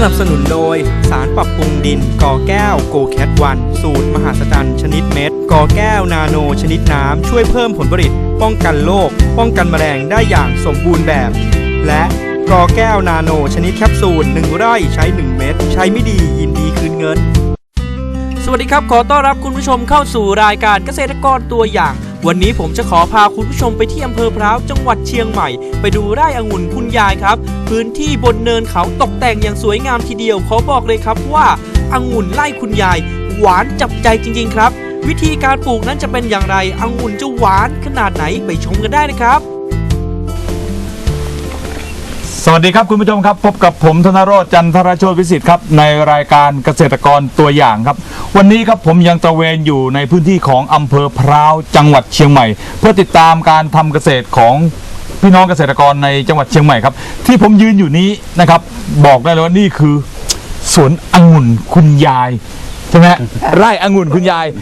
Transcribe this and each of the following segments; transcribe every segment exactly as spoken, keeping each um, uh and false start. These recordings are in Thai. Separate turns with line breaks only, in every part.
นับสนุนโดยสารปรับปรุงดินกอแก้วโกแคทวันสูตรมหัศจรรย์ชนิดเม็ดกอแก้วนาโนชนิดน้ำช่วยเพิ่มผลผลิตป้องกันโรคป้องกันแมลงได้อย่างสมบูรณ์แบบและกอแก้วนาโนชนิดแคปซูลหนึ่งไร่ใช้หนึ่งเม็ดใช้ไม่ดียินดีคืนเงินสวัสดีครับขอต้อนรับคุณผู้ชมเข้าสู่รายการเกษตรกรตัวอย่างวันนี้ผมจะขอพาคุณผู้ชมไปที่อำเภอพร้าวจังหวัดเชียงใหม่ไปดูไร่องุ่นคุณยายครับพื้นที่บนเนินเขาตกแต่งอย่างสวยงามทีเดียวขอบอกเลยครับว่าองุ่นไร่คุณยายหวานจับใจจริงๆครับวิธีการปลูกนั้นจะเป็นอย่างไรองุ่นจะหวานขนาดไหนไปชมกันได้นะครับ
สวัสดีครับคุณผู้ชมครับพบกับผมธนโรจน์จันทรโชติวิสิทธิ์ครับในรายการเกษตรกรตัวอย่างครับวันนี้ครับผมยังตระเวนอยู่ในพื้นที่ของอำเภอพร้าวจังหวัดเชียงใหม่เพื่อติดตามการทำเกษตรของพี่น้องเกษตรกรในจังหวัดเชียงใหม่ครับที่ผมยืนอยู่นี้นะครับบอกได้เลยว่านี่คือสวนองุ่นคุณยายใช่ไหม ไร่องุ่นคุณยาย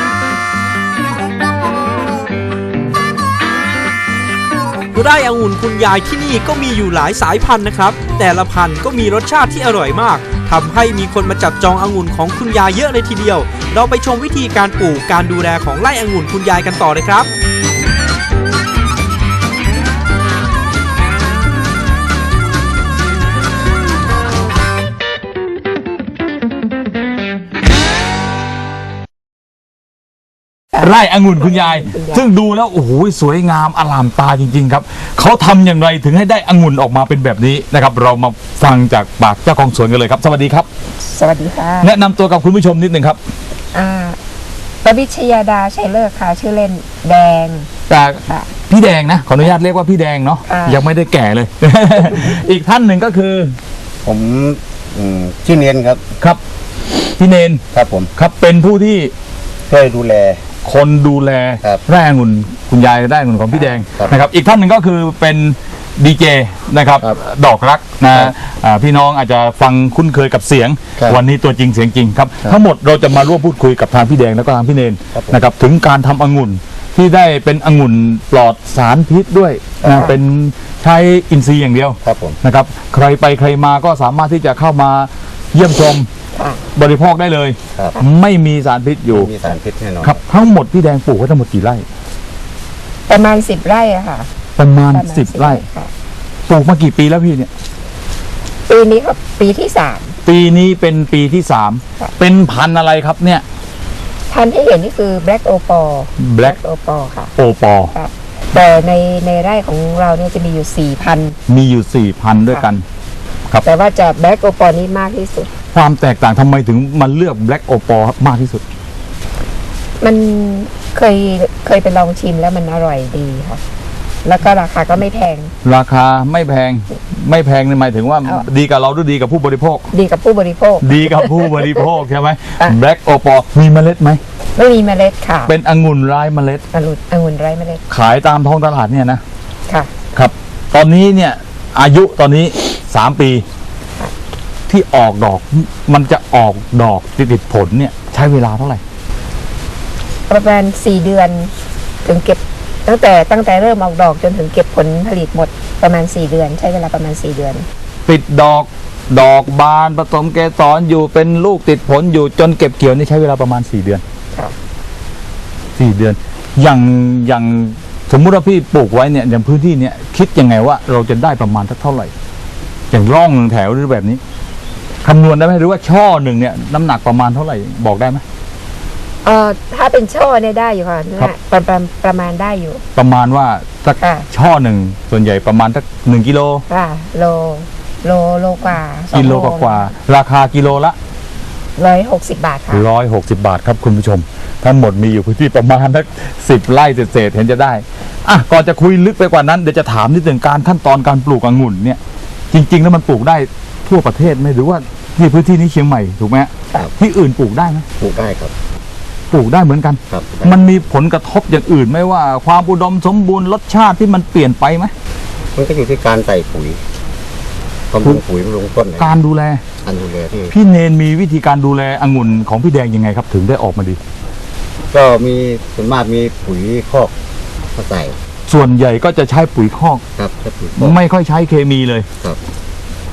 ไร่องุ่นคุณยายที่นี่ก็มีอยู่หลายสายพันธุ์นะครับแต่ละพันธุ์ก็มีรสชาติที่อร่อยมากทำให้มีคนมาจับจององุ่นของคุณยายเยอะเลยทีเดียวเราไปชมวิธีการปลูกการดูแลของไร่องุ่นคุณยายกันต่อเลยครับ
ไร่องุ่นคุณยายซึ่งดูแล้วโอ้โหสวยงามอลามตาจริงๆครับเขาทำอย่างไรถึงให้ได้องุ่นออกมาเป็นแบบนี้นะครับเรามาฟังจากปากเจ้าของสวนกันเลยครับสวัสดีครับ
สวัสดีค่ะ
แนะนำตัวกับคุณผู้ชมนิดนึงครับ
อ่าประวิชยาดาชัยเลิศค่ะชื่อเล่นแดง
จากพี่แดงนะขออนุญาตเรียกว่าพี่แดงเนาะยังไม่ได้แก่เลย อีกท่านหนึ่งก็คือ
ผมชื่อเนียนครับ
ครับพี่เนน
ครับผม
ครับเป็นผู้ที่
ช่วยดูแล
คนดูแลไร่องุ่นคุณยายไร่องุ่นของพี่แดงนะครับอีกท่านหนึ่งก็คือเป็นดีเจนะครับดอกรักนะพี่น้องอาจจะฟังคุ้นเคยกับเสียงวันนี้ตัวจริงเสียงจริงครับทั้งหมดเราจะมาร่วมพูดคุยกับทางพี่แดงแล้วก็ทางพี่เนนนะครับถึงการทำองุ่นที่ได้เป็นองุ่นปลอดสารพิษด้วยนะเป็นใช้อินทรีย์อย่างเดียวนะครับใครไปใครมาก็สามารถที่จะเข้ามาเยี่ยมชมบริโภคได้เลยไม่มีสารพิษอยู่
มีสารพิษแน่นอน
ครับทั้งหมดพี่แดงปลูกไว้ทั้งหมดกี่ไร่
ประมาณสิบไร่อะค่ะ
ประมาณสิบไร่ปลูกมากี่ปีแล้วพี่เนี่ย
ปีนี้ครับปีที่สาม
ปีนี้เป็นปีที่สามเป็นพันธุ์อะไรครับเนี่ย
พันธุ์ที่เห็นนี่คือ Black Opal
Black
Opal ค่ะ
Opal
แต่ในในไร่ของเราเนี่ยจะมีอยู่สี่พัน
มีอยู่สี่พันด้วยกัน
ครับแต่ว่าจะ Black Opal นี้มากที่สุด
ความแตกต่างทำไมถึงมันเลือก Black Opal มากที่สุด
มันเคยเคยไปลองชิมแล้วมันอร่อยดีค่ะแล้วก็ราคาก็ไม่แพง
ราคาไม่แพงไม่แพงในหมายถึงว่าดีกับเราหรือดีกับผู้บริโภค
ดีกับผู้บริโภค
ดีกับผู้บริโภคใช่ไหม Black Opal มีเมล็ดไหม
ไม่มีเมล็ดค่ะ
เป็นองุ่นไร้เมล็ด
องุ่นองุ่นไร้เมล็ด
ขายตามท้องตลาดเนี่ยนะ
ค่ะ
ครับตอนนี้เนี่ยอายุตอนนี้สามปีที่ออกดอกมันจะออกดอกติดผลเนี่ยใช้เวลาเท่าไหร่
ประมาณสี่เดือนถึงเก็บตั้งแต่ตั้งแต่เริ่มออกดอกจนถึงเก็บผลผลิตหมดประมาณสี่เดือนใช้เวลาประมาณสี่เดือน
ปิดดอกดอกบานผสมเกสรอยู่เป็นลูกติดผลอยู่จนเก็บเกี่ยวนี่ใช้เวลาประมาณสี่เดือนสี่เดือนอย่างอย่างสมมุติว่าพี่ปลูกไว้เนี่ยอย่างพื้นที่เนี่ยคิดยังไงว่าเราจะได้ประมาณเท่าไหร่อย่างร่องหนึ่งแถวหรือแบบนี้คำนวณได้ไหมหรือว่าช่อหนึ่งเนี่ยน้ำหนักประมาณเท่าไหร่บอกได้ไหม
เอ่อถ้าเป็นช่อเนี่ยได้อยู่ค่ะประมาณประมาณได้อยู่
ประมาณว่าสักช่อหนึ่งส่วนใหญ่ประมาณสักหนึ่งกิโล
ค่ะโลโลโลกว่า
กิโลกว่าราคากิโลละ
ร้อยหกสิบบาทค่ะ
ร้อยหกสิบบาทครับคุณผู้ชมทั้งหมดมีอยู่พื้นที่ประมาณสักสิบไร่เศษๆเห็นจะได้อ่ะก่อนจะคุยลึกไปกว่านั้นเดี๋ยวจะถามนิดหนึ่งการขั้นตอนการปลูกองุ่นเนี่ยจริงๆแล้วมันปลูกได้ทั่วประเทศไหมหรือว่าที่พื้นที่นี้เชียงใหม่ถูกไหมที่อื่นปลูกได้ไหม
ปลูกได้ครับ
ปลูกได้เหมือนกันมันมีผลกระทบอย่างอื่นไหมว่าความอุดมสมบูรณ์รสชาติที่มันเปลี่ยนไปไหม
มันก็อยู่ที่การใส่ปุ๋ยบำรุงปุ๋ยบำรุงต้น
การดูแล
การดูแลที่
พี่เนนมีวิธีการดูแลองุ่นของพี่แดงยังไงครับถึงได้ออกมาดี
ก็มีส่วนมากมีปุ๋ยคอกมาใส่
ส่วนใหญ่ก็จะใช้ปุ๋ยคอก
ครับ
ไม่ค่อยใช้เคมีเลย
ครับ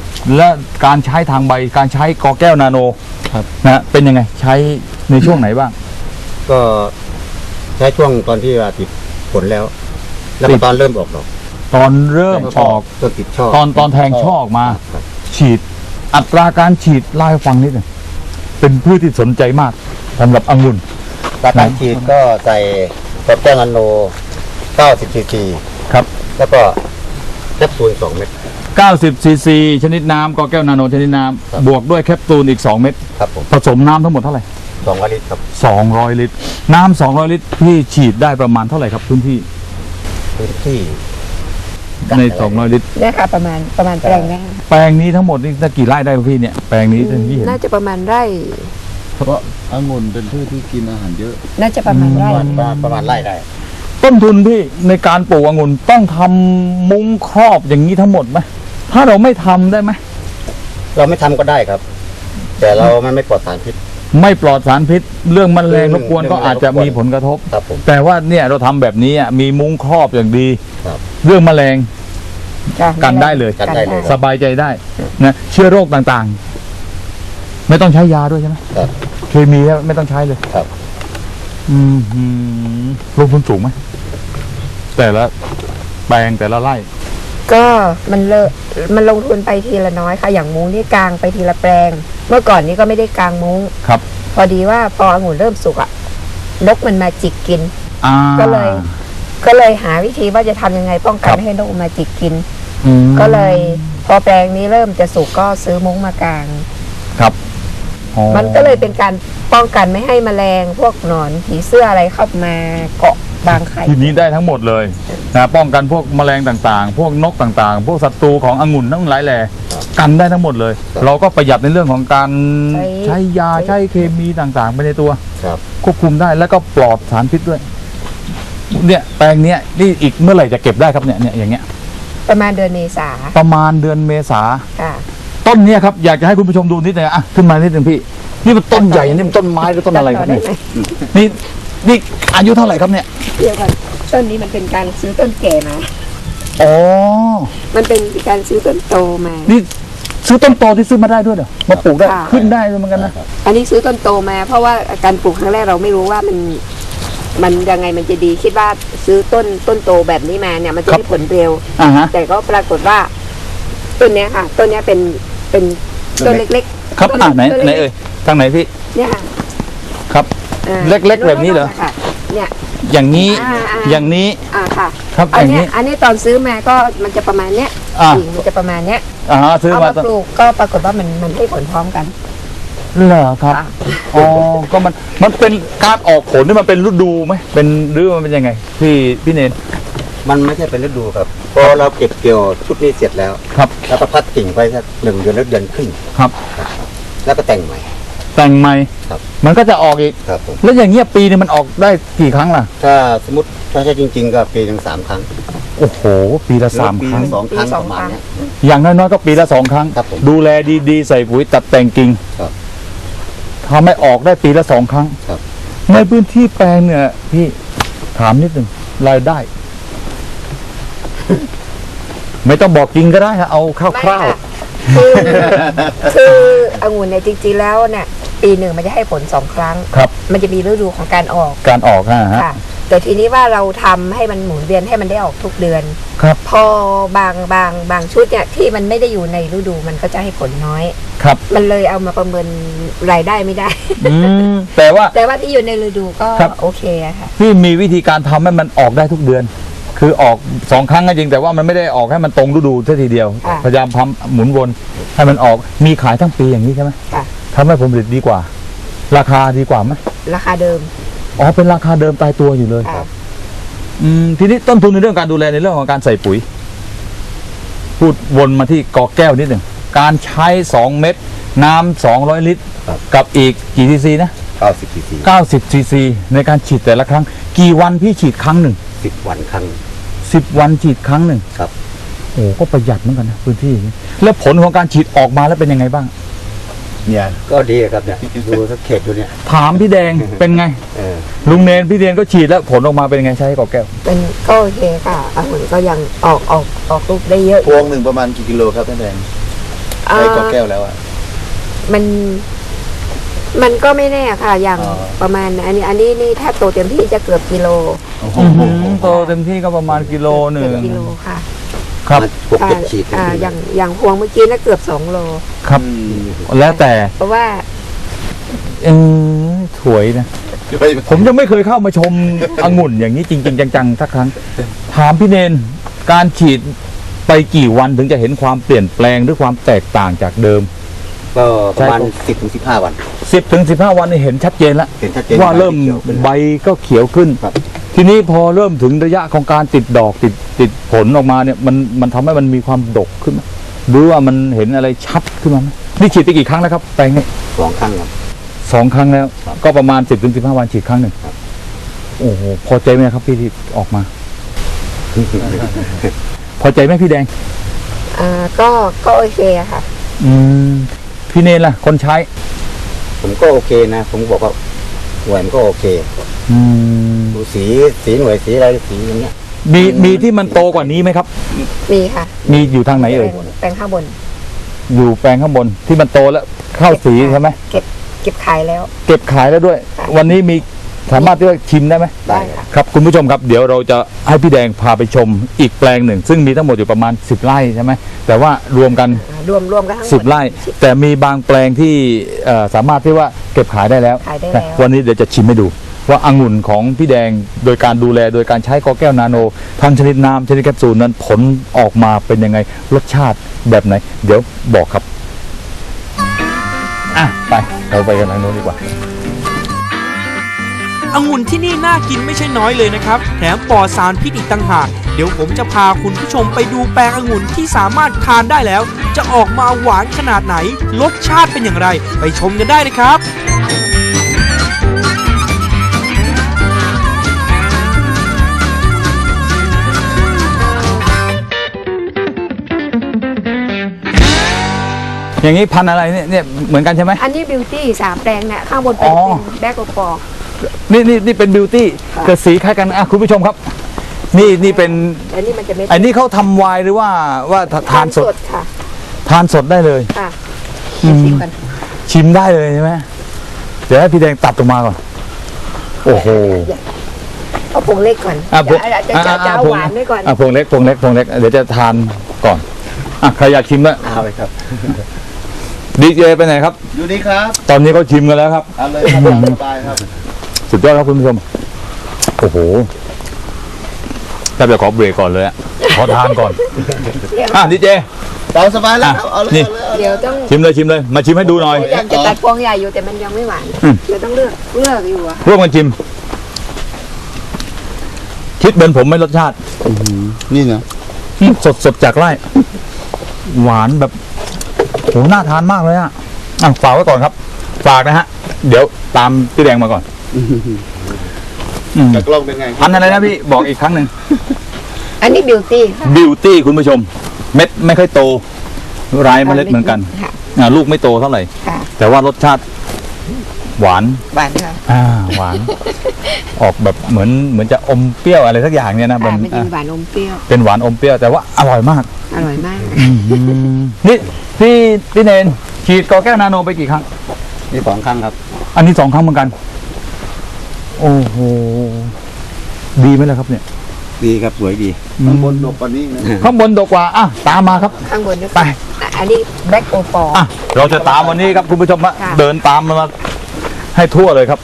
และการใช้ทางใบการใช้กอแก้วนาโน
ครับ
นะฮะเป็นยังไงใช้ในช่วงไหนบ้าง
ก็ใช้ช่วงตอนที่ว่าติดผลแล้ว แล้ว
ติ
ก็
ด
ตอนเริ่มออกดอก
ตอนเริ่มออก
ต้นติดช่อ
ตอนตอนแทงช่อออกมา
ครับ
ฉีดอัตราการฉีดเล่าให้ฟังนิดหนึ่งเป็นพืชที่สนใจมากสำหรับองุ่น
ตาการฉีดก็ใส่กอแก้วนาโนเก้าสิบซีซี
ครับ
แล้วก็แคปซูลสองเม็ด
เก้าสิบซีซีชนิดน้ำกอแก้วนาโนชนิดน้
ครับ
ำบวกด้วยแคปซูลอีกสองเม็ด
ครับผม
ผสมน้ำทั้งหมดเท่าไหร่
สองลิตรครับ
สองร้อยลิตร น้ำสองร้อยลิตรพี่ฉีดได้ประมาณเท่าไหร่ครับพื้นที่
พื้นที่
ในสองร้อยลิตร
เนี่ยค่ะประมาณประมาณแปลงเนี้
แปลงนี้ทั้งหมดนี่ได้กี่ไร่ได้ครับพี่เนี่ยแปลงนี้ที่เห็น
น่าจะประมาณไร่
เพราะองุ่นเป็นพืชที่กินอาหารเยอะ
น่าจะประมาณไร่
ประมาณประมาณไร่ได้
ต้นทุนพี่ในการปลูกองุ่นต้องทำมุ้งครอบอย่างนี้ทั้งหมดไหมถ้าเราไม่ทำได้ไหม
เราไม่ทำก็ได้ครับ แต่เรามันไม่ปลอดสารพิษ
ไม่ปลอดสารพิษ เรื่องแมลงรบกวนก็อาจจะมีผลกระทบ
ครับผม
แต่ว่าเนี่ยเราทำแบบนี้อ่ะมีมุ้งครอบอย่างดี
ครับ
เรื่องแมลง
จ้ะ
กันได้เลย
กันได้เลย
สบายใจได้นะเชื้อโรคต่างๆ ไม่ต้องใช้ยาด้วยใช่ไหม
ครับ
เคมีไม่ต้องใช้เลย
ครับ
อืมหืมลงทุนสูงไหมแต่ละแปลงแต่ละไร่
ก็มันเลอะมันลงทุนไปทีละน้อยค่ะ อย่างมุ้งนี่กลางไปทีละแปลง เมื่อก่อนนี้ก็ไม่ได้กลางมุ้ง
ครับ
พอดีว่าพอองุ่นเริ่มสุกอะนกมันมาจิกกิน
อ่า
ก็เลย ก็เลยหาวิธีว่าจะทำยังไงป้องกัน
ครับ
ไม่ให้นกมาจิกกิน
อืม
ก็เลยพอแปลงนี้เริ่มจะสุกก็ซื้อมุ้งมากาง
ครับอ๋อ
มันก็เลยเป็นการป้องกันไม่ให้แมลงพวกหนอนผีเสื้ออะไรเข้ามาเกาะบางไข่
ทีนี้ได้ทั้งหมดเลยนะป้องกันพวกแมลงต่างๆ พวกนกต่างๆ พวกศัตรูขององุ่นทั้งหลายแหล่กันได้ทั้งหมดเลย เราก็ประหยัดในเรื่องของการใช้ยาใช้เคมีต่างๆไปในตัว
ครับ
ควบคุมได้แล้วก็ปลอดสารพิษด้วย เนี่ยแปลงเนี้ยนี่อีกเมื่อไหร่จะเก็บได้ครับเนี่ยเนี่ยอย่างเงี้ย
ประมาณเดือนเมษา
ประมาณเดือนเมษา
ค่ะ
ต้นเนี้ยครับอยากจะให้คุณผู้ชมดูนิดหนึงอ่ะขึ้นมานิดหนึงพี่ นี่มันต้นใหญ่นี่มันต้นไม้หรือต้นอะไรครับเนี่ย
ตัดต่อได้ไหม
นี่นี่อายุเท่าไหร่ครับเนี่ย
เดี๋ยวก่อนต้นนี้มันเป็นการซื้อต้นแก่มา
อ๋อ
มันเป็นการซื้อต้นโตมา
นี่ซื้อต้นโตที่ซื้อมาได้ด้วยเหรอมาปลูกได้
ค่ะ
ขึ้นได้ด้วยเหมือนกันนะ
อันนี้ซื้อต้นโตมา เพราะว่าการปลูกครั้งแรกเราไม่รู้ว่ามัน มันยังไงมันจะดีคิดว่าซื้อต้นต้นโตแบบนี้มาเนี่ยมันจะได้ผลเร็ว
อ่าฮะ
แต่ก็ปรากฏว่าต้นเนี้ยค่ะต้นเนี้ยเป็นเป็นต้นเล็กๆ
ครับ
ต้
อ่าไหน
ต้
ไหน
ล็กๆ
เอ่ยทางไหนพี่
เนี่ยค่ะ
ครับ
อ่า
เล็กๆแบบนี้เหรอ
ค่ะเนี่ย
อย่างนี้
อ่าอ่า
อย่างนี้
อ่าค่ะ
ครับ
อัน
อย่าง
เนี้
นี้
ยอันนี้ตอนซื้อมาก็มันจะประมาณเนี้ย
อ่า
กิ่งมันจะประมาณเนี้ย
อ่าฮะซื้อ
เอา
มา
มาปลูกก็ปรากฏว่ามันมันให้ผลพร้อมกัน
เหรอครับ
ค่ะ
อ๋อก็มันมันเป็นการออกผลนี่มันเป็นฤดูไหมเป็นหรือมันเป็นยังไงพี่พี่เนน
มันไม่ใช่เป็นฤดูครับพอเราเก็บเกี่ยวชุดนี้เสร็จแล้ว
ครับ
แล้วก็พัดกิ่งไปสักหนึ่งเดือนหรือเดือนครึ่ง
ครับ
แล้วก็แต่งใหม่
แต่งใหม่
ครับ
มันก็จะออกอีก
ครับผม
แล้วอย่างเงี้ยปีนึงมันออกได้กี่ครั้งล่ะ
ถ้าสมมติถ้าใช่จริง ๆ ก็ปีหนึ่งสามครั้ง
โอ้โห ปีละสาม
หอปี
ครั้ง
ละสองครั้ง
ปีส
ป
อง
ระมาณ
ครั้ง
เนี้ย
อย่างน้อยๆก็ปีละสองครั้ง
ครับผม
ดูแลดีๆ ใส่ปุ๋ยตัดแต่งกิ่ง
ครับ
ทำให้ออกได้ปีละสองครั้ง
ครับ
ในพื้นที่แปลงเนี่ยพี่ถามนิดหนึ่งรายได้ ไม่ต้องบอกจริงก็ได้ฮะเอาค
ไม่
ร่าว
ค่ะคือคือองุ่นเนี่ยจริงๆแล้วเนี่ยปีหนึ่งมันจะให้ผลสองครั้ง
ๆครับ
มันจะมีฤดูของการออก
การออกนะฮะ
ค่ะ แต่ทีนี้ว่าเราทำให้มันหมุนเวียนให้มันได้ออกทุกเดือน
ครับ
พอบางบางบางชุดเนี่ยที่มันไม่ได้อยู่ในฤดูมันก็จะให้ผลน้อย
ครับ
มันเลยเอามาประเมินรายได้ไม่ได้
อืมแต่ว่า
แต่ว่าที่อยู่ในฤดูก็
ครับ
โอเคอะค่ะ
พี่มีวิธีการทำให้มันออกได้ทุกเดือน คือออกสองครั้งก็จริงแต่ว่ามันไม่ได้ออกให้มันตรงฤดูซะทีเดียว
ค่ะ
พยายามทำหมุนวนให้มันออกมีขายทั้งปีอย่างนี้ใช่ไหม
ค่ะ
ทำให้ผลผลิตดีกว่า ราคาดีกว่าไหม
ราคาเดิม
อ๋อเป็นราคาเดิมตายตัวอยู่เลย
ค่ะ
อืมทีนี้ต้นทุนในเรื่องการดูแลในเรื่องของการใส่ปุ๋ย พูดวนมาที่กอแก้วนิดหนึ่งการใช้สองเม็ดน้ำสองร้อยลิตร
ครับ
กับอีกกี่ซีซีนะ
เก้าสิบซีซี
เก้าสิบซีซีในการฉีดแต่ละครั้ง กี่วันพี่ฉีดครั้งหนึ่ง
สิบวันครั้ง
สิบวันฉีดครั้งหนึ่ง
ครับ
โอ้ก็ประหยัดเหมือนกันนะพื้นที่อย่างนี้แล้วผลของการฉีดออกมาแล้วเป็นยังไงบ้าง
เนี่ยก็ดีครับเนี่ยดูสักเขตดูเนี่ย
ถามพี่แดง เป็นไง
เออ
ลุงเนนพี่เดนก็ฉีดแล้วผลออกมาเป็นยังไงใช้กอแก้ว
เป็นก็โอเคค่ะองุ่นก็ยังออกออกออกลูกได้เยอะ
พวงหนึ่งประมาณกี่กิโลครับท่านแดง
เอ่อ
ใช้กอแก้วแล้วอ่ะ
มันมันก็ไม่แน่ค่ะ อย่าง
อ๋อ
ประมาณอันนี้ อันนี้นี่ถ้าโตเต็มที่จะเกือบกิโล
อื้อหือโตเต็มที่ก็ประมาณกิโลหนึ่ง
เกือบกิโลค่ะ
ครับ
พวกเก็บฉีด
อ่าอย่างอย่างพวงเมื่อกี้น่ะเกือบสองโล
ครับแล้วแต่
เพราะว่า
เออถวยนะผมยังไม่เคยเข้ามาชมองุ่นอย่างนี้จริง ๆ จังๆสักครั้งถามพี่เนนการฉีดไปกี่วันถึงจะเห็นความเปลี่ยนแปลงหรือความแตกต่างจากเดิม
ก็ประมาณ
ใช่
สิบถึงสิบห้าวัน
สิบถึงสิบห้าวันนี่เห็นชัดเจนแล้ว
เห็นชัดเจน
ว่าเริ่ม
ขียวขึ้น
ใบก็เขียวขึ้น
ครับ
ทีนี้พอเริ่มถึงระยะของการติดดอกติดติดผลออกมาเนี่ยมันมันทำให้มันมีความดกขึ้นไหมหรือว่ามันเห็นอะไรชัดขึ้นมาไหมนี่ฉีดไปกี่ครั้งแล้วครับแปลงนี้
สองครั้งครับ
สองครั้งแล้ว
ครับ
ก็ประมาณสิบถึงสิบห้าวันฉีดครั้งหนึ่ง
ครับ
โอ้โหพอใจไหมครับพี่ที่ออกมา พอใจไหมพี่แดง
อ่าก็ก็โอเคอะค่ะ
อืมพี่เนนล่ะ คนใช้
ผมก็โอเคนะ ผมบอกว่าหน่วยมันก็โอเค
อืม
ดูสีสีหน่วยสีอะไรสีอย่างเงี้ย
มีมีที่มันโตกว่านี้ไหมครับ
มีค่ะ
มีอยู่ทางไหนเอ่ย
แปลงแปลงข้างบน
อยู่แปลงข้างบนที่มันโตแล้วเข้าสีใช่ไหม
เก็บเก็บขายแล้ว
เก็บขายแล้วด้วย
ค่ะ
วันนี้มีสามารถที่จะชิมได้ไหม
ได้ค่ะ
ครับคุณผู้ชมครับเดี๋ยวเราจะให้พี่แดงพาไปชมอีกแปลงหนึ่ง ซึ่งมีทั้งหมดอยู่ประมาณสิบไร่ใช่ไหมแต่ว่ารวมกัน
อ่ารวมรวมกันทั้งหมด
สิบไร่ แต่มีบางแปลงที่เอ่อสามารถที่ว่าเก็บขายได้แล้ว
ขายได้แล้ว
นะวันนี้เดี๋ยวจะชิมให้ดู ว่าองุ่นของพี่แดงโดยการดูแลโดยการใช้กอแก้วนาโนทั้งชนิดน้ำชนิดแคปซูลนั้นผลออกมาเป็นยังไงรสชาติแบบไหน เดี๋ยวบอกครับอ่ะไปเราไปกันทางโน้นดีกว่า
องุ่นที่นี่น่ากินไม่ใช่น้อยเลยนะครับ แถมปลอดสารพิษอีกต่างหาก เดี๋ยวผมจะพาคุณผู้ชมไปดูแปลงองุ่นที่สามารถทานได้แล้ว จะออกมาหวานขนาดไหน รสชาติเป็นอย่างไร ไปชมกันได้เลยครับ
อย่างนี้พันธุ์อะไรเนี่ยเนี่ยเหมือนกันใช่ไหม
อันนี้บิวตี้สามแปลงเนี่ยข้างบนเป็น
อ๋อ
เป็นแบล็กโอปอร์
นี่นี่นี่เป็นบิวตี้
ค่ะ
เกิดสีคล้ายกันอ่ะคุณผู้ชมครับ นี่นี่เป็น
อันนี้มันจะเม็ด
ไอ้นี่เขาทำไวน์หรือว่าว่าทานสด
ค่ะ
ทานสดได้เลย
ค่ะ
อืม
ชิมกัน
ชิมได้เลยใช่ไหมเดี๋ยวให้พี่แดงตัดออกมาก่อน โอ้โห
เอาผงเล็กก่อน
อ่ะพวง
จะจะจะจะเอาหวานไว้ก่อน
อ่ะพวงเล็กพวงเล็กพวงเล็กเดี๋ยวจะทานก่อนอ่ะใครอยากชิมแล้ว
เอาไปครับ
ดีเจไปไหนครับ
อยู่นี่ครับ
ตอนนี้เขาชิมกันแล้วครับ
เอาเลยครับตามสบายครับ
สุดยอดครับคุณผู้ชม โอ้โหถ้าจะขอเบรกก่อนเลยอะขอทานก่อน อ่ะดีเจ
ตามสบายแล้วครับ เอาเลย
นี่
เอาเลยเอาเลย
เดี๋ยวต้อง
ชิมเลยชิมเลย มาชิมให้ดูหน่อย
อยากจะตัดพวงใหญ่อยู่แต่มันยังไม่หวาน
อืม
เดี๋ยวต้องเลือกเลือกอยู่อะ
ร่วมกันชิม คิดเป็นผมไหม่รสชาติ
นี่นะ
สดสดจากไร่ หวานแบบโหน่าทานมากเลยอ่ะอ่ะฝากไว้ก่อนครับ ฝากนะฮะ เดี๋ยวตามพี่แดงมาก่อนอืม
แต่กล้องเป็นไง
พันธุ์อะไรนะพี่บอกอีกครั้งหนึ่ง
อันนี้บิวตี้
บิวตี้คุณผู้ชม เม็ดไม่ค่อยโตร้ายเมล็ดเหมือนกัน
ค่ะ
อ่าลูกไม่โตเท่าไหร่
ค่ะ
แต่ว่ารสชาติ หวาน
หวานค่ะ
อ่าหวาน ออกแบบเหมือนเหมือนจะอมเปรี้ยวอะไรสักอย่างเนี่ยนะ
อ่า
มัน
มันจะ
อ่ะ
มีหวานอมเปรี้ยว
เป็นหวานอมเปรี้ยวแต่ว่าอร่อยมาก
อร่อยมาก
นี่พี่พี่เนนฉีดกอแก้วนาโนไปกี่ครั้ง
นี่สองครั้งครับ
อันนี้สองครั้งเหมือนกัน โอ้โห ดีไหมล่ะครับเนี่ย
ดีครับสวยดี
ข้างบนดกกว่านี้นะ
ข้างบนดกกว่า อ่ะ ตามมาครับ
ข้างบนนี่
ไป
อันนี้แบล็กโอปอร์
อ่ะ เราจะตามวันนี้ครับคุณผู้ชมฮะ
ค่ะ
เดินตามมันมาให้ทั่วเลยครับ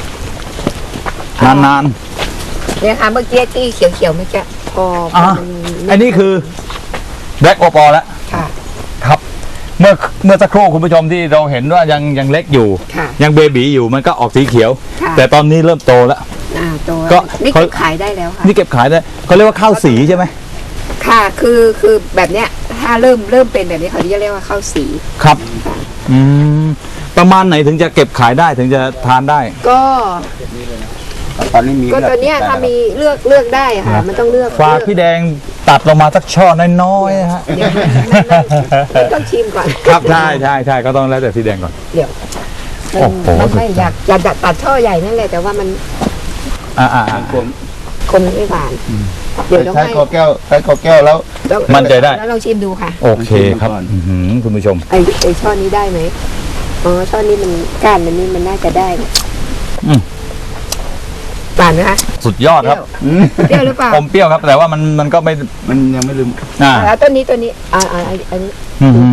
นาน
เนี่ยค่ะเมื่อกี้ที่เขียวๆเมื่อกี้พอ
ๆ
พ
อ่ะ
มัน
อันนี้คือแบล็กโอปอแล้ว
ค่ะ
ครับ เมื่อเมื่อสักครู่คุณผู้ชมที่เราเห็นว่ายังยังเล็กอยู่
ค่ะ
ยังเบบีอยู่มันก็ออกสีเขียว
ค่ะ
แต่ตอนนี้เริ่มโตแล้ว
อ่าตัว
ก็
นี่
เขา
เก็บขายได้แล้วค่ะ
นี่เก็บขายได้เขาเรียกว่าข้าวสีใช่ไหม
ค่ะคือคือแบบเนี้ยถ้าเริ่มเริ่มเป็นแบบนี้เขาจะเรียกว่าข้าวสี
ครับ อืม ประมาณไหนถึงจะเก็บขายได้ถึงจะทานได้
ก็
ตอนนี้มี
ก็ตัวเนี้ยถ้ามีเลือกเลือกได้อะค่ะ มันต้องเลือก
ฝาก
เลือก
พี่แดงตัดลงมาสักช่อน้อยๆนะฮะ
เดี๋ยวไม่ไม่ไม่ต้องชิมก่อน
ครับใช่ใช่ใช่ก็ต้องแล้วแต่พี่แดงก่อน
เดี๋ยว
โอ้โห
มันไม่อยากอยากตัดช่อใหญ่นั่นแหละแต่ว่ามัน
อ่าอ่าอ่า
ผม
คมไม่หวานเดี๋ยวต้อง
ใช้
ให้
กอแก้วใช้กอแก้วแล้ว
แล้ว
มั่นใจได้
แล้วเราชิมดูค่ะ
โอเคครับอื้อหือคุณผู้ชม
ไอ้ไอ้ช่อนี้ได้ไหมอ๋อช่อนี้มันก้านมันนี่มันน่าจะได้
อืม
หวานไหมคะ
สุดยอดครับ
เปรี้ยวหรือเปล่า
อมเปรี้ยวครับ แต่ว่ามันมันก็ไม่
มันยังไม่ลืม
อ่า
แล้วต้นนี้ต้นนี้อ่าอ่าอันอันนี้
อื้อหือ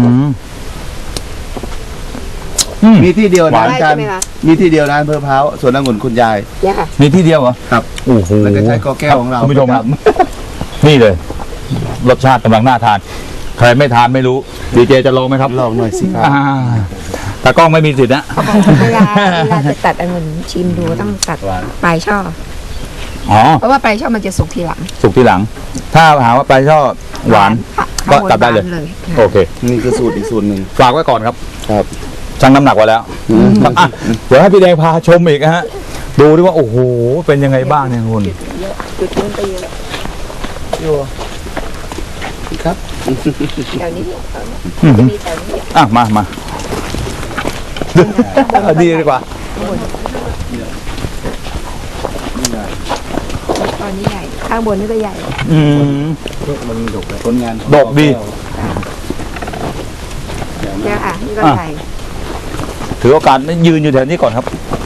อืม
มีที่เดียว
หวา
นะ
น
อาจารย์
ใช่ไหมคะ
มีที่เดียวนะอำเภอพร้าวสวนองุ่นคุณยาย
เนี่ยค่ะ
มีที่เดียวเหรอ
ครับ
โอ้โห
แล้วก็ใช้กอแก้วของเรา
คุณผู้ชมครับ
ประจ
นี่เลย รสชาติกำลังน่าทาน ใครไม่ทานไม่รู้ดีเจจะลองไหมครับ
ำลองหน่อยสิครับ
อ่าแต่กล้องไม่มีสิทธิ์นะ
เวลาเวลาจะตัดองุ่นชิมดูต้องตัด
หวาน
ปลายช่อ
อ๋อ
เพราะว่าปลายช่อมันจะสุกทีหลัง
สุกทีหลัง ถ้าหาว่าไปชอบหวาน
ค่ะ
ก็
ข้างบน
ตัดได้เลย
หวานเลย
โอเค
นี่คือสูตรอีกสูตรหนึ่ง
ฝากไว้ก่อนครับ
ครับ
ชั่งน้ำหนักไว้แล้วครับอ่ะเดี๋ยวให้พี่แดงพาชมอีกนะฮะ ดูดิว่าโอ้โห เป็นยังไงบ้างเนี่ยคุณ
จุดนู้นไปเยอะ
ครับ
แถวนี้
อื้อหื
จะ
อ
มีแถวนี้
อ่ะมามาเอาดีดีกว่า
ตอนนี้ใหญ่ ข้างบนนี่ก็ใหญ่
อืม
มันดกเลยผลงานของ
ดกดี
เนี่ยค่ะ นี่ก็
อ่ะ
ใหญ่
ถือโอกาสยืนอยู่แถวนี้ก่อนครับ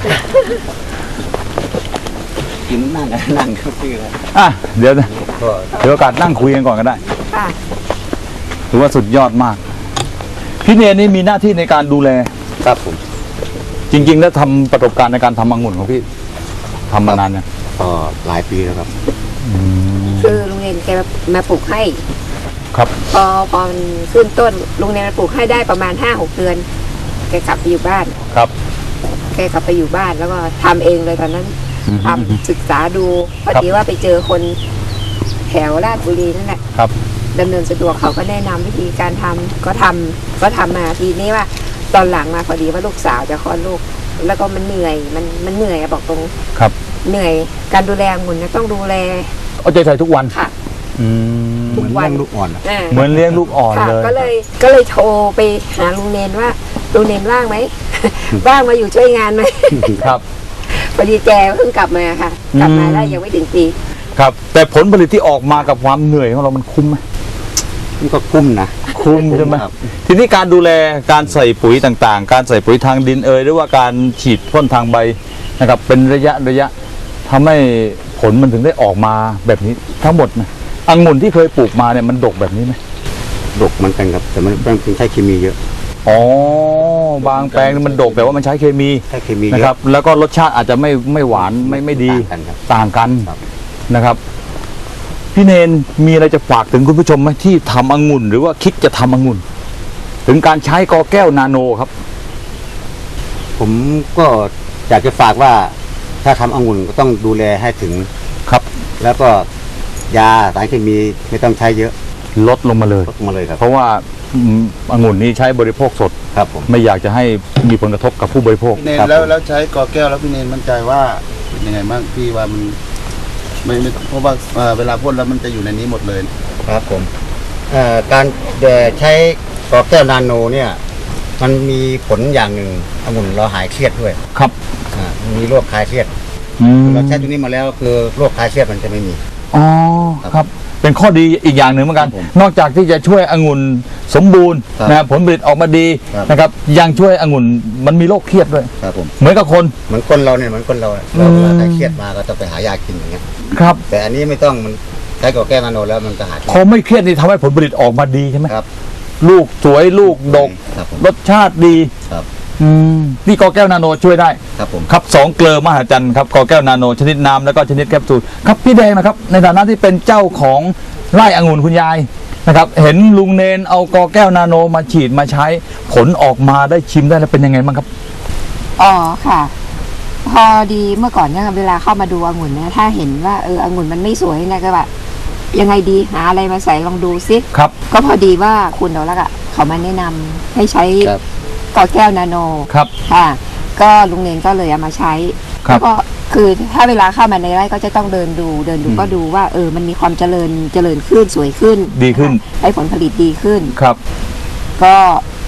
กินนั่งกันนั่งก็คืออะไร
อ่ะเดี๋ยวนะ
ก็
ถือโอกาสนั่งคุยกันก่อนก็ได้
ค่ะ
ถือว่าสุดยอดมาก พี่เนรนี่มีหน้าที่ในการดูแล
ครับผม
จริง ๆ แล้วทำประสบการณ์ในการทำองุ่นของพี่ทำมานานเนี่ยง
ก็หลายปีแล้วครับ
คือลุงเนนแกมาปลูกให้
ครับ
พอพอมันขึ้นต้นลุงเนนมาปลูกให้ได้ประมาณห้าหกเดือน แกกลับไปอยู่บ้าน
ครับ
แกกลับไปอยู่บ้านแล้วก็ทำเองเลยตอนนั้น
อืม
ทำศึกษาดูพอ
ครับ
ดีว่าไปเจอคนแถวราชบุรีนั่นแหละ
ครับ
ดำเนินสะดวกเขาก็แนะนำวิธีการทำก็ทำก็ทำมาทีนี้ว่า ตอนหลังมาพอดีว่าลูกสาวจะคลอดลูก แล้วก็มันเหนื่อยมันมันเหนื่อยอะบอกตรง
ครับ
เหนื่อยการดูแลองุ่นนะต้องดูแล
เอาใจใส่ทุกวัน
ค่ะ
อืม
ทุก
เหมือน
วัน
เลี้ยงลูกอ่อนอะ
อ่า
เหมือนเลี้ยงลูกอ่อน
ค่ะ
เลย
ก็เลยก็เลยโทรไปหาลุงเนนว่าลุงเนนว่างไหม ว่างมาอยู่ช่วยงานไหม
ครับ
พอดีแกเพิ่งกลับมาค่ะ กลับมา
อืม
ได้ยังไม่ถึงปี
ครับ แต่ผลผลิตที่ออกมากับความเหนื่อยของเรามันคุ้มไหม
มันก็คุ้มนะ
คุ้มใช่ไหม
ครับ
ทีนี้การดูแลการใส่ปุ๋ยต่างๆ การใส่ปุ๋ยทางดินเอยหรือว่าการฉีดพ่นทางใบนะครับ เป็นระยะระยะทำให้ผลมันถึงได้ออกมาแบบนี้ทั้งหมดนะองุ่นที่เคยปลูกมาเนี่ยมันดกแบบนี้ไหม
ดกเหมันกันครับ แต่มันเป็นใช้เคมีเยอะ
อ๋อบางแปลงมันดกแต่ว่ามันใช้เคมี
ใช้เคมีเย
นะ
อะ
ครับ แล้วก็รสชาติอาจจะไม่ไม่หวานไม่ไม่ดี
ต่างกันครับ
ต่างกัน
ครับ
นะครับ พี่เนนมีอะไรจะฝากถึงคุณผู้ชมไหมที่ทำองุ่นหรือว่าคิดจะทำองุ่น ถึงการใช้กอแก้วนาโนครับ
ผมก็อยากจะฝากว่า ถ้าทำองุ่นก็ต้องดูแลให้ถึง
ครับ
แล้วก็ยาสารเคมีไม่ต้องใช้เยอะ
ลดลงมาเลย
ลดมาเลยครับ
เพราะว่าอืมองุ่นนี้ใช้บริโภคสด
ครับผม
ไม่อยากจะให้มีผลกระทบกับผู้บริโภค
พี่เนน
ครับ
แล้วแล้วใช้กอแก้วแล้วพี่เนนมั่นใจว่าเป็นยังไงบ้างพี่ว่ามันไม่ไม่เพราะว่าเอ่อเวลาพ่นแล้วมันจะอยู่ในนี้หมดเลย
ครับผมเอ่อการเอ่อใช้กอแก้วนาโนเนี่ย มันมีผลอย่างหนึ่งองุ่นเราหายเครียดด้วย
ครับ
อ่ามันมีโรคคลายเครียด
อืม
เราใช้ตัวนี้มาแล้วคือโรคคลายเครียดมันจะไม่มี
อ๋อครับ เป็นข้อดีอีกอย่างหนึ่งเหมือนกัน
ครับผม
นอกจากที่จะช่วยองุ่นสมบูรณ์
ครับ
นะครับผลผลิตออกมาดี
ครับ
นะครับ ยังช่วยองุ่นมันมีโรคเครียดด้วย
ครับผม
เหมือนกับคน
เหมือนคนเราเนี่ยเหมือนคนเราอะเรา
อืม
เราถ้าเครียดมาก็ต้องไปหายากินอย่างเงี้ย
ครับ
แต่อันนี้ไม่ต้องมันใช้กอแก้วนาโนแล้วมันก็หาย
พอไม่เครียดนี่ทำให้ผลผลิตออกมาดีใช่ไหม
ครับ
ลูกสวยลูกดก
ครับผม
รสชาติดี
ครับ
อืมนี่กอแก้วนาโนช่วยได้
ครับผม
ครับสองเกลือมหัศจรรย์ครับกอแก้วนาโนชนิดน้ำแล้วก็ชนิดแคปซูลครับพี่แดงนะครับ ในฐานะที่เป็นเจ้าของไร่องุ่นคุณยายนะครับ เห็นลุงเนนเอากอแก้วนาโนมาฉีดมาใช้ ผลออกมาได้ชิมได้แล้วเป็นยังไงบ้างครับ
อ๋อค่ะ พอดีเมื่อก่อนเนี่ยเวลาเข้ามาดูองุ่นเนี่ยถ้าเห็นว่าเออองุ่นมันไม่สวยเนี่ยก็แบบยังไงดีหาอะไรมาใส่ลองดูซิ
ครับ
ก็พอดีว่าคุณดอกลักษ์อะเขามาแนะนำให้ใช้
ครับ
กอแก้วนาโน
ครับ
ค่ะ ก็ลุงเนนก็เลยเอามาใช้
ครับ
แล้วก็คือถ้าเวลาเข้ามาในไร่ก็จะต้องเดินดู เดินดูก็ดูว่าเออมันมีความเจริญเจริญขึ้นสวยขึ้น
ดีขึ้น
นะคะให้ผลผลิตดีขึ้น
ครับ
ก็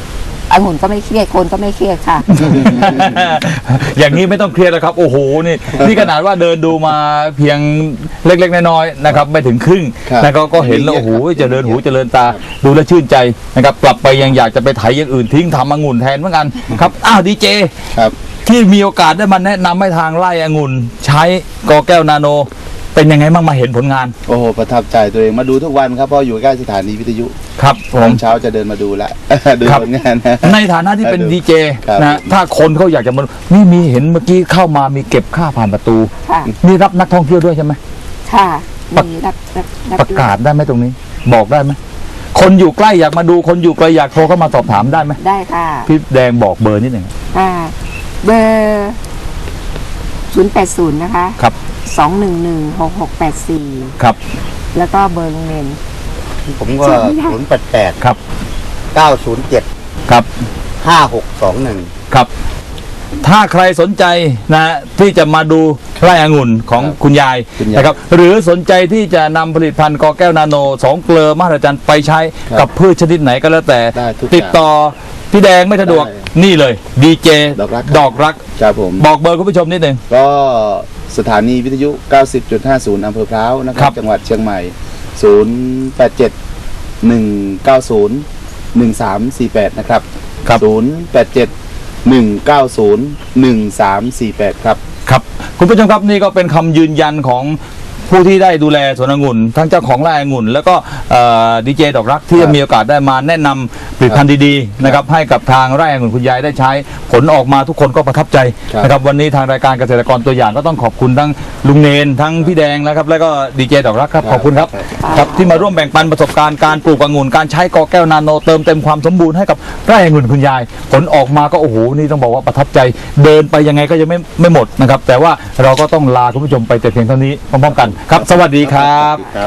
องุ่นก็ไม่เครียดคนก็ไม่เครียดค่ะ
อย่างนี้ไม่ต้องเครียดแล้วครับโอ้โหนี่นี่ขนาดว่าเดินดูมาเพียงเล็กๆน้อยๆนะครับไม่ถึงครึ่ง
ครับ
นะครับก็เห็นแล้วโอ้โหเจริญหูเจริญตาดูแลวชื่นใจนะครับกลับไปยังอยากจะไปไถอย่างอื่นทิ้งทำองุ่นแทนเหมือนกันครับอ้าวดีเจ
ครับ
ที่มีโอกาสได้มาแนะนำให้ทางไร่องุ่นใช้กอแก้วนาโน เป็นยังไงบ้างมาเห็นผลงาน
โอ้โหประทับใจตัวเองมาดูทุกวันครับเพราะอยู่ใกล้สถานีวิทยุ
ครับผ
ตอ
ม
นเช้าจะเดินมาดูละ ดู
ครับ
ผลงานนะ
ในฐานะที่เป็น
ครับ
ดีเจ
ครับ
นะถ้าคนเขาอยากจะมานี่มีเห็นเมื่อกี้เข้ามามีเก็บค่าผ่านประตู
ค่ะ
นี่รับนักท่องเที่ยวด้วยใช่ไหม
ค่ะมีรับรับรับ
ประกาศได้ไหมตรงนี้ บอกได้ไหมคนอยู่ใกล้อยากมาดูคนอยู่ไกลอยากโทรเข้ามาสอบถามได้ไหม
ได้ค่ะ
พี่แดงบอกเบอร์นิดหนึ่ง
อ่าเบอร์ศูนย์แปดศูนย์นะคะ
ครับ
สองหนึ่งหนึ่งหกหกแปดสี่
ครับ
แล้วก็เบอร์โรงเรียน
ผมก็
จำไม่ได้
ศูนย์แปดแปด
ครับ
เก้าศูนย์เจ็ด
ครับ
ห้าหกสองหนึ่ง
ครับ ถ้าใครสนใจนะที่จะมาดูไร่องุ่นของ
ครับ
คุณยาย
คุณยาย
นะครับหรือสนใจที่จะนำผลิตภัณฑ์กอแก้วนาโนสองเกลือมหัศจรรย์ไปใช้
ครับ
กับพืชชนิดไหนก็แล้วแต่
ได้ทุกอย่าง
ติดต่อพี่แดงไม่สะดวก
ได้
นี่เลยดีเจ
ดอกรัก
ดอกรัก
ครับผม
บอกเบอร์คุณผู้ชมนิดหนึ่ง
ก็สถานีวิทยุ เก้าสิบจุดห้าศูนย์ อำเภอพร้าวนะค
ครั
รับ
บ
จังหวัดเชียงใหม่ ศูนย์แปดเจ็ด หนึ่งเก้าศูนย์ หนึ่งสามสี่แปด นะครับ
ครับ
ศูนย์แปดเจ็ด หนึ่งเก้าศูนย์ หนึ่งสามสี่แปด ครับ
ครับคุณผู้ชมครับนี่ก็เป็นคำยืนยันของผู้ที่ได้ดูแลสวนองุ่นทั้งเจ้าของไร่องุ่นแล้วก็ดีเจดอกรักที่
ครับ
มีโอกาสได้มาแนะนำผลิตภัณฑ์ดีๆนะครับให้กับทางไร่องุ่นคุณยายได้ใช้ผลออกมาทุกคนก็ประทับใจ
ครับ
นะครับวันนี้ทางรายการเกษตรกรตัวอย่างก็ต้องขอบคุณทั้งลุงเนนทั้งพี่แดงนะครับแล้วก็ดีเจดอกรักครับขอบคุณครับครับที่มาร่วมแบ่งปันประสบการณ์การปลูกองุ่นการใช้กอแก้วนาโนเติมเต็มความสมบูรณ์ให้กับไร่องุ่นคุณยาย ผลออกมาก็โอ้โหนี่ต้องบอกว่าประทับใจเดินไปยังไงก็ยังไม่ไม่หมดนะครับแต่ว่าเราก็ต้องลาคุณผู้ชมไปแต่เพียงเท่านี้พร้อมๆกันครับสวัสดีครับ
ครับ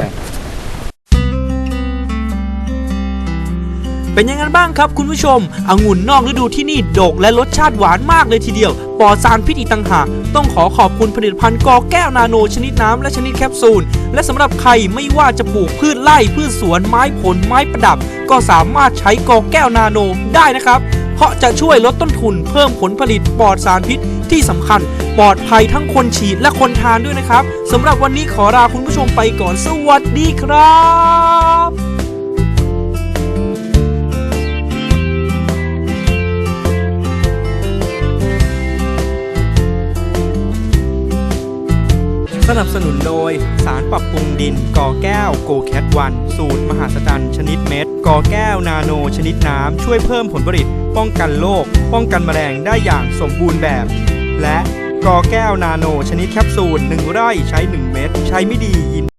เป็นยังไงบ้างครับคุณผู้ชมองุ่นนอกฤดูที่นี่ดกและรสชาติหวานมากเลยทีเดียวปลอดสารพิษอีกต่างหากต้องขอขอบคุณผลิตภัณฑ์กอแก้วนาโนชนิดน้ำและชนิดแคปซูลและสำหรับใครไม่ว่าจะปลูกพืชไร่พืชสวนไม้ผลไม้ประดับ ก็สามารถใช้กอแก้วนาโนได้นะครับเพราะจะช่วยลดต้นทุนเพิ่มผลผลิตปลอดสารพิษที่สำคัญปลอดภัยทั้งคนฉีดและคนทานด้วยนะครับสำหรับวันนี้ขอลาคุณผู้ชมไปก่อนสวัสดีครับ สนับสนุนโดยสารปรับปรุงดินกอแก้วโกแคทวันสูตรมหาศจรรย์ชนิดเม็ดกอแก้วนาโนชนิดน้ำช่วยเพิ่มผลผลิตป้องกันโรคป้องกันแมลงได้อย่างสมบูรณ์แบบ และกอแก้วนาโนชนิดแคปซูลหนึ่งไร่ใช้หนึ่งเม็ดใช้ไม่ดียิน